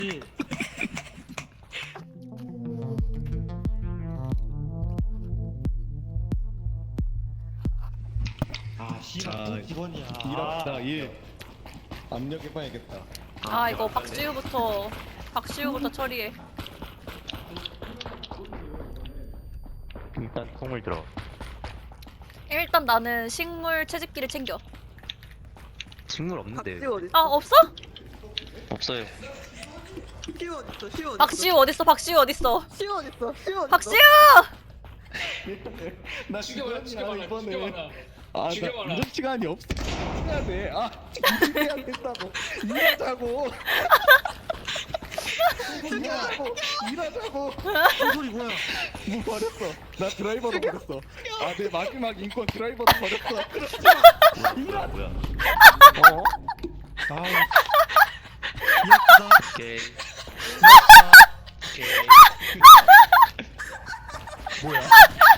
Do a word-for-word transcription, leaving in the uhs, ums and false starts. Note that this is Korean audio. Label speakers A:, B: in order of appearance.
A: 아 씨발
B: 자,
A: 또 기본이야.
B: 일합시다 일. 압력해봐야겠다.
C: 아 이거 박지우부터 박지우부터 처리해.
D: 일단 콩을 들어.
C: 일단 나는 식물 채집기를 챙겨.
D: 식물 없는데.
E: 박지우 어딨어?
C: 아 없어?
D: 없어요.
E: 시우 어딨어? 시우 어딨어?
C: 박지우 어딨어? 박지우 어딨어?
E: 시우 어딨어? 시우 어딨어?
C: 박지우!
B: 나
F: 죽여봐라,
B: 죽여야
F: 죽여봐라,
B: 이번에.
F: 죽여봐라.
B: 아, 나
F: 죽여봐라.
B: 이럴 시간이 없어. 해야 돼. 아, 일해야 된다고. 일하자고. 일하자고. 일하자고.
A: 그 소리 뭐야?
B: 뭐 버렸어. 나 드라이버도 버렸어. 아, 내 마지막 인권 드라이버도 버렸어. 그렇지.
D: 뭐야 뭐야.
B: 어?
A: 아 미역다.
D: 오케이.
A: 미역다.
D: 오케이.
B: 뭐야?